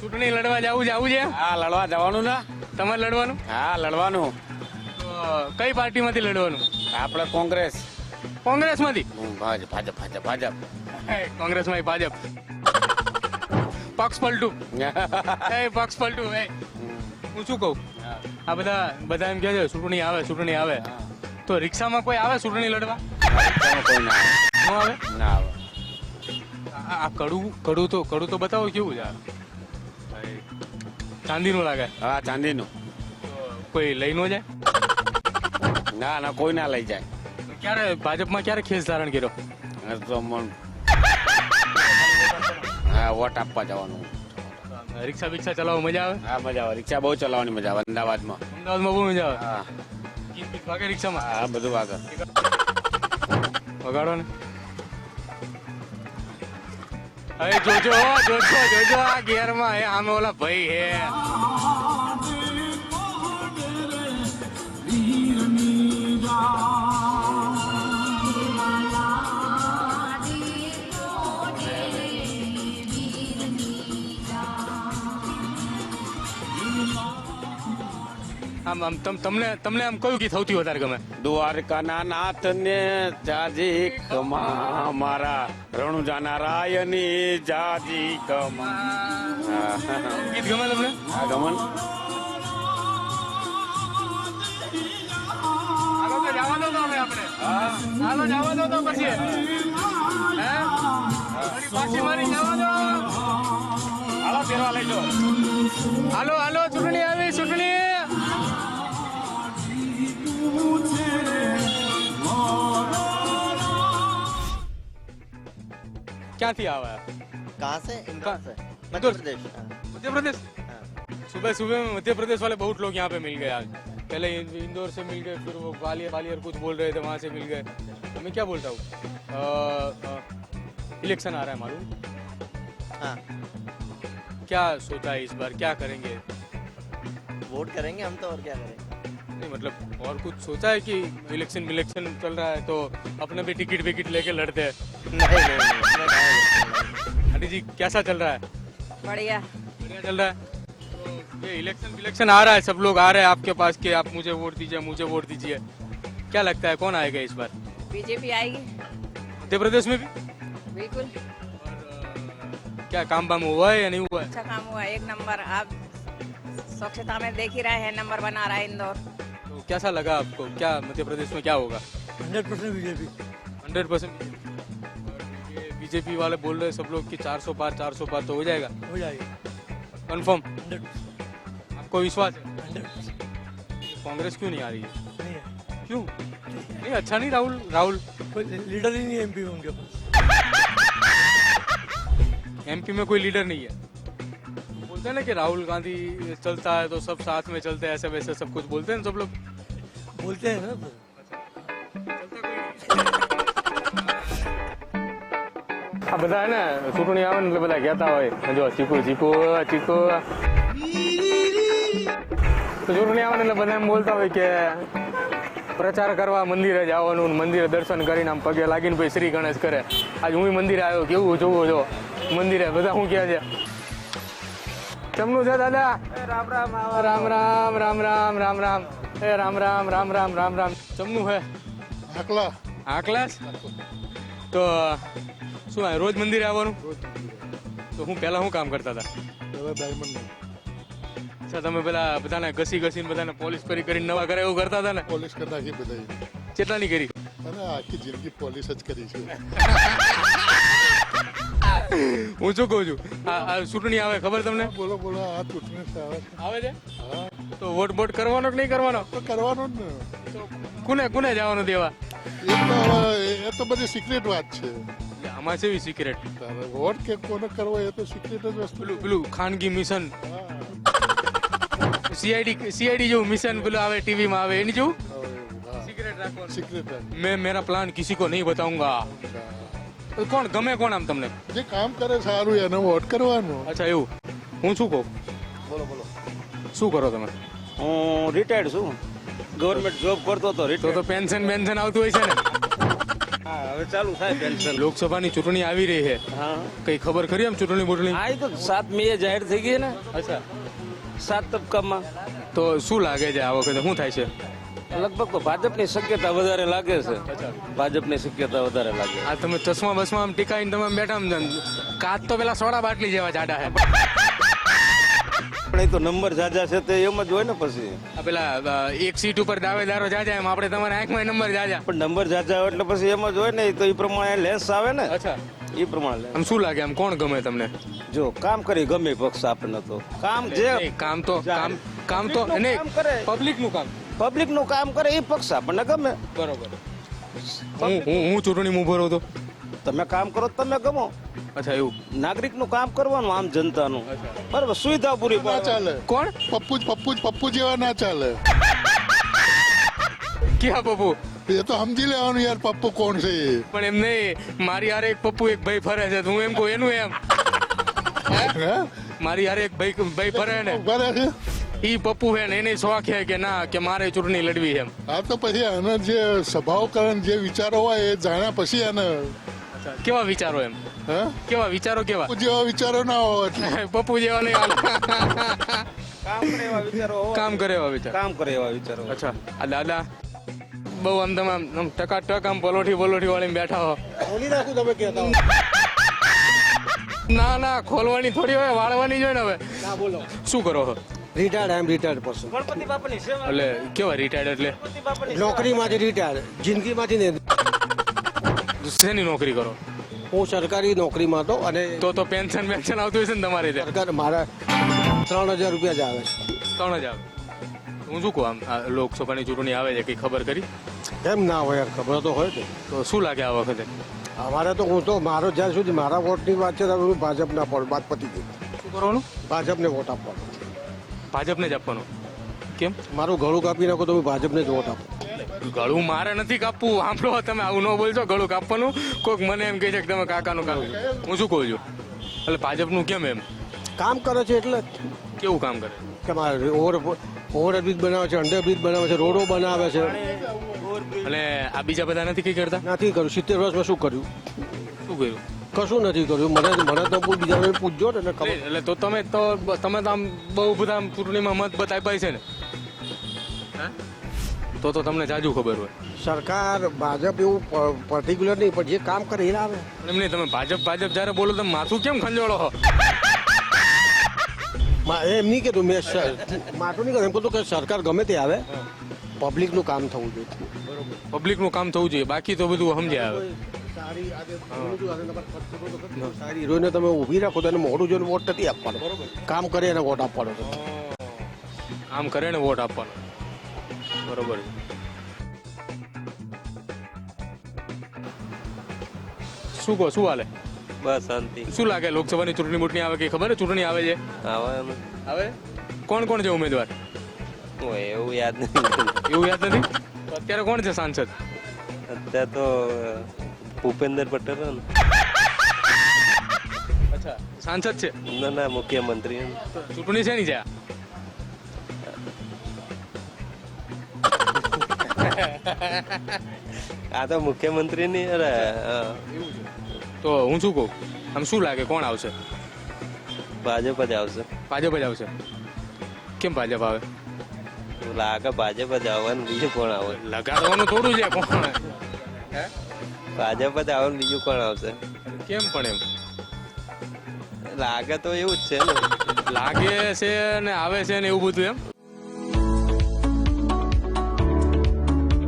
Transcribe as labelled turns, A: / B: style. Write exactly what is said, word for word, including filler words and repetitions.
A: ચૂંટણી લડવા જવું જવું છે?
B: હા લડવા જવાનું ને.
A: તમારે લડવાનું?
B: હા લડવાનું.
A: તો કઈ પાર્ટીમાંથી લડવાનું?
B: આપણે કોંગ્રેસ.
A: કોંગ્રેસમાંથી?
B: ભાજપ ભાજપ ભાજપ ભાજપ.
A: કોંગ્રેસમાં ભાજપ. પક્ષ પલટું. એ પક્ષ પલટું. એ હું શું કહું, આ બધા બધા એમ કહે છે ચૂંટણી આવે ચૂંટણી આવે, તો રિક્ષામાં કોઈ આવે ચૂંટણી લડવા?
B: કોઈ ના આવે.
A: ન આવે?
B: ના આવે.
A: આ આ કડું કડું તો કડું તો બતાવો કેવું છે આ? ચાંદીનું લાગે.
B: હા ચાંદીનું.
A: તો કોઈ લઈ ન જાય?
B: ના ના કોઈ ના લઈ જાય.
A: ક્યારે ભાજપમાં ક્યારે ખેસ ધારણ કર્યો?
B: હા, તો મન હા વોટ આપવા જવાનું.
A: રિક્ષા બિક્ષા ચલાવવા મજા આવે?
B: હા મજા આવે. રિક્ષા બહુ ચલાવવાની મજા આવે અમદાવાદમાં.
A: અમદાવાદમાં બહુ મજા આવે.
B: હા
A: ગીત બીત વાગે રિક્ષામાં?
B: હા બધું આગળ.
A: વગાડો ને. અરે જોજો જોજો જોજો આ ગેરમાં હે, આમે ઓલા ભાઈ હે. આમ આમ તમ તમને તમને આમ કયું ગીત સૌથી વધારે ગમે?
B: દ્વારકાના નાથ ને જાજી કમા મારા રણુજાના રાયની જાજી કમા. હા
A: ગીત ગમે તમને?
B: હા ગમન.
A: હાલો તો જવા દો તો હવે આપણે. હાલો જવા દો તો પછી હે થોડી પાછી મારી જવા દો.
B: હાલો ફેરવા લઈ લો.
A: હાલો હાલો ચૂંટણી આવી ચૂંટણી. ક્યાંથી આવે?
C: कहाँ से?
A: कहाँ?
C: इंदौर से।
A: इंदौर
C: मध्य
A: से?
C: प्रदेश। हाँ।
A: मध्य प्रदेश?
C: हाँ।
A: सुबह सुबह में मध्य प्रदेश वाले बहुत लोग यहाँ पे मिल गए आज. पहले इंदौर से मिल गए, फिर वो ग्वालियर ग्वालियर कुछ बोल रहे थे, वहाँ से मिल गए. तो मैं क्या बोलता हूँ, इलेक्शन आ रहा है मालूम?
C: हाँ
A: क्या सोचा है इस बार, क्या करेंगे?
C: वोट करेंगे हम तो, और क्या करेंगे।
A: नहीं मतलब और कुछ सोचा है कि इलेक्शन इलेक्शन चल रहा है तो अपने भी टिकट विकेट लेके लड़ते हैं?
C: नहीं नहीं नहीं
A: आंटी जी कैसा चल रहा है?
D: बढ़िया।
A: बढ़िया चल रहा है. तो ये इलेक्शन इलेक्शन आ रहा है, सब लोग आ रहे हैं आपके पास कि आप मुझे वोट दीजिए मुझे वोट दीजिए. क्या लगता है कौन आएगा इस बार
D: बीजेपी आएगी
A: मध्य प्रदेश में भी?
D: बिल्कुल।
A: और अ, क्या काम वाम हुआ है या नहीं हुआ है?
D: अच्छा काम हुआ एक नंबर। आप स्वच्छता में देख ही रहे हैं, नंबर बना रहा है इंदौर।
A: तो कैसा लगा आपको, क्या मध्य प्रदेश में क्या होगा?
E: Hundred percent BJP.
A: Hundred percent ये बीजेपी वाले बोल रहे हैं सब लोग कि चार सौ पार चार सौ पार तो हो जाएगा
E: हो जाएगी
A: कंफर्म?
E: हंड्रेड
A: आपको विश्वास है?
E: हंड्रेड
A: कांग्रेस क्यों नहीं आ रही है?
E: नहीं है।
A: क्यों नहीं? अच्छा नहीं राहुल राहुल
E: कोई लीडर ही नहीं है एमपी में उनके पास।
A: एमपी में कोई लीडर नहीं है. बोलते हैं ना कि राहुल गांधी चलता है तो सब साथ में चलते हैं, ऐसे वैसे सब कुछ बोलते हैं ना सब लोग.
E: बोलते हैं ना तो।
A: આ બધા હે ને ચૂંટણી આવે ને એટલે બધા કહેતા હોય જો ચીકુ ચીકુ ચીકુ. તો ચૂંટણી આવે ને એટલે બધા એમ બોલતા હોય કે પ્રચાર કરવા મંદિરે જવાનું, મંદિરે દર્શન કરીને આમ પગે લાગીને પછી શ્રી ગણેશ કરે. આજ હું મંદિરે આવ્યો, કેવું જોવું જો મંદિરે બધા શું કહે છે. કેમનું છે દાદા? રામ રામ રામ રામ રામ રામ રામ રામ એ રામ રામ રામ રામ રામ રામ. ચમનું હે
E: આકલા
A: આ ક્લાસ. તો શું આ રોજ મંદિરે આવવાનું? તો હું પહેલા શું કામ કરતા હતા?
E: ડાયમંડ
A: અચ્છા તમે પેલા બધાને ઘસી ઘસીને બધાને પોલિશ કરી કરીને નવા કરે એવું કરતા હતા ને?
E: પોલીસ કરી નાખી બધા.
A: કેટલાની કરી?
E: અને આખી જિંદગી પોલીસ જ કરી છે.
A: હું શું કહું છું, આ આ ચૂંટણી આવે ખબર તમને?
E: બોલો બોલો આ ચૂંટણી આવે છે.
A: આવે છે
E: હા
A: તો વોટ બોટ કરવાનો કે નહીં કરવાનો?
E: તો કરવાનું જ ને.
A: તો કોને કોને જવાનું દેવા?
E: એ તો હવે એ તો બધી સિક્રેટ વાત છે.
A: એટલે આમાં છે સિક્રેટ.
E: તારે વોટ કે કોને કરવો એ તો સિક્રેટ જ વસ્તુ.
A: પેલું પેલું ખાનગી મિશન
E: હા
A: સીઆઈડી સીઆઈડી જેવું મિશન પેલું આવે ટીવીમાં આવે એની જેવું
E: હવે એવું, હા
A: સિક્રેટ રાખવાનું.
E: સિક્રેટ જ.
A: मैं मेरा प्लान किसी को नहीं बताऊंगा. તો કોણ ગમે કોણ આમ તમને?
E: જે કામ કરે સારું એને વોટ કરવાનો.
A: અચ્છા એવું. હું શું કહું,
E: બોલો બોલો.
A: શું કરો તમે?
B: હું રિટાયર્ડ છું. ગવર્મેન્ટ જોબ કરતો હતો.
A: તો તો પેન્શન પેન્શન આવતું હોય છે ને?
B: હા હવે ચાલુ થાય પેન્શન
A: લોકસભાની ચૂંટણી આવી રહી છે,
B: હા
A: કઈ ખબર ખરી આમ ચૂંટણી બૂંટણી?
B: આ તો સાત મે જાહેર થઈ ગઈ ને
A: અચ્છા,
B: સાત તબક્કામાં
A: તો શું લાગે છે આ વખતે શું થાય છે?
B: લગભગ તો ભાજપની શક્યતા વધારે લાગે છે. ભાજપની શક્યતા વધારે લાગે.
A: આ તમે ચશ્મા બસમાં આમ ટીકાઈને તમે આમ બેઠા આમ જાણ. કાચ તો પેલા સોડા બાટલી જેવા જાડા છે.
B: પણ એ તો નંબર જાજા છે તે એમ જ હોય ને પછી.
A: આ પેલા અ, એક સીટ ઉપર દાવેદારો જાજા એમ આપણે તમારા આંખમાં નંબર જાજા.
B: પણ નંબર જાજા હોય એટલે પછી એમ જ હોય ને, તો એ પ્રમાણે લેન્સ આવે ને,
A: અચ્છા,
B: એ પ્રમાણે લેન્સ.
A: આમ શું લાગે આમ કોણ ગમે તમને?
B: જો કામ કરી ગમે પક્ષ આપણને તો કામ જે
A: નહીં, કામ તો કામ કામ તો
B: Public નું
A: નહીં,
B: કામ કરે.
A: પબ્લિક નું કામ.
B: પબ્લિક નું કામ કરે એ પક્ષ આપણને ગમે.
A: બરોબર. હું હું હું ચૂંટણીમાં ઉભો રહું તો
B: તમે કામ કરો તો તમે ગમો.
A: અચ્છા એવું.
B: નાગરિક નું કામ કરવાનું, આમ જનતાનું બરાબર, સુવિધા પૂરી
E: ના
B: પાડવાની.
E: ચાલે.
A: કોણ?
E: પપ્પુ જ પપ્પુ જ પપ્પુ જેવા ના ચાલે.
A: ક્યાં પપ્પુ?
E: એ તો સમજી લેવાનું યાર, પપ્પુ કોણ છે એ.
A: પણ એમ નહીં, મારી હારે એક પપ્પુ એક ભાઈ ફરે છે, તો હું એમ કહું એનું એમ.
E: હે?
A: મારી હારે એક ભાઈ ભાઈ ફરે ને,
E: ઉભા રહે છે.
A: ઈ પપ્પુ હે ને એને શોખ છે કે ના કે મારે ચૂંટણી લડવી છે એમ.
E: આ તો પછી આના જે સ્વભાવ કારણ જે વિચારો હોય એ જાણ્યા પછી આને
A: કેવા વિચારો એમ?
E: હે
A: કેવા વિચારો કેવા?
E: પપ્પુ જેવા વિચારો ના હોય એટલે.
A: પપ્પુ જેવા નહીં હાલે.
B: કામ કરે એવા વિચારો હોવા
A: કામ કરે એવા વિચાર.
B: કામ કરે એવા વિચારો.
A: અચ્છા, આ દાદા બહુ આમ તમે આમ આમ ટકા ટક આમ પલોઠી પલોઠી વાળીને બેઠા હો.
B: ખોલી નાખું તમે કહેતા
A: ના ના, ખોલવાની થોડી હોય, વાળવાની જ હોય ને. હવે શું કરો છો?
F: Retired I am retired person
B: Ganpati બાપાની સેવા.
A: એટલે કેવા રિટાયર્ડ એટલે
B: ગણપતિ બાપાની
F: નોકરીમાંથી રિટાયર્ડ જિંદગીમાંથી ને
A: શેની નોકરી કરો?
F: હું સરકારી નોકરીમાં હતો અને
A: તો તો પેન્શન પેન્શન આવતું હશે ને તમારે ત્યાં?
F: સરકાર મારા ત્રણ હજાર રૂપિયા જ આવે
A: ત્રણ જ આવે. હું શું કહું, આમ આ લોકસભાની ચૂંટણી આવે છે, કઈ ખબર કરી?
F: છે એમ ના હોય યાર, ખબર તો હોય ને.
A: તો શું લાગે આ વખતે?
F: અમારે તો હું તો મારો જ્યાં સુધી મારા વોટની વાત છે ત્યાં સુધી ભાજપના પડું વાત પતી ગઈ.
A: શું કરવાનું?
F: ભાજપને વોટ આપવાનો.
A: ભાજપને જ આપવાનો. કેમ?
F: મારું ગળું કાપી નાખો તો હું ભાજપને જ વોટ આપું.
A: ગળું મારે નથી કાપવું. સાંભળો, તમે આવું ન બોલશો. ગળું કાપવાનું કોઈક મને એમ કહે છે કે તમે કાકાનું કાપવું. હું શું કહું છું, એટલે ભાજપનું કેમ એમ?
F: કામ કરે છે એટલે
A: કેવું કામ કરે?
F: કે મારે ઓવર ઓવરબ્રિજ બનાવે છે, અંડરબ્રિજ બનાવે છે, રોડો બનાવે છે.
A: અને આ બીજા બધા નથી કઈ કરતા?
F: નથી કર્યું. સિત્તેર વર્ષમાં શું કર્યું?
A: શું કર્યું?
F: કશું નથી કર્યું. મને મને તો બીજા પૂછજો ને એટલે ખબર.
A: એટલે તો તમે તો તમે તો આમ બહુ બધા આમ ચૂંટણીમાં મત બત આપ્યા છે ને? હે? તો તો તમને જાજુ ખબર હોય.
F: સરકાર ભાજપ એવું પર્ટિક્યુલર નહીં, પણ જે કામ કરે એ આવે.
A: પણ એમ નહીં, તમે ભાજપ ભાજપ જ્યારે બોલો તમે માથું કેમ ખંજોળો છો?
F: મા- એમ નહીં કીધું મેં સ- માથું નહીં કીધું, એમ કીધું કે સરકાર ગમે તે આવે, પબ્લિકનું કામ થવું જોઈએ.
A: પબ્લિકનું કામ થવું જોઈએ, બાકી તો બધું સમજ્યા આવે.
F: સારી સારી હીરોઈને તમે ઊભી રાખો તો એને મોઢું જોઈને વોટ નથી આપવાનો. કામ કરે એને વોટ આપવાનો છે.
A: કામ કરે ને વોટ આપવાનો. બરોબર. શું કહો, શું હાલે?
G: બસ શાંતિ.
A: શું લાગે લોકસભાની ચૂંટણી બૂંટણી આવે, કઈ ખબર છે? ચૂંટણી આવે છે?
G: આવે એમ
A: આવે. કોણ કોણ છે ઉમેદવાર?
G: હોય એવું યાદ નથી.
A: એવું યાદ નથી. તો અત્યારે કોણ છે સાંસદ?
G: અત્યારે તો ભૂપેન્દ્ર પટેલ હે ને.
A: અચ્છા, સાંસદ છે.
G: ના ના મુખ્યમંત્રી હે ને.
A: તો ચૂંટણી છે ની છે આ?
G: આ તો મુખ્યમંત્રી ની અરે હા.
A: તો હું શું કહું, આમ શું લાગે કોણ આવશે?
G: ભાજપ જ આવશે.
A: ભાજપ જ આવશે. કેમ ભાજપ આવે?
G: લાગે ભાજપ જ આવવાનું, બીજું કોણ આવે?
A: લગાડવાનું થોડું છે. કોણ?
G: ભાજપ જ આવવાનું, બીજું કોણ આવશે?
A: કેમ પણ એમ
G: લાગે તો એવું જ છે ને.
A: લાગે છે ને આવે છે ને એવું બધું એમ?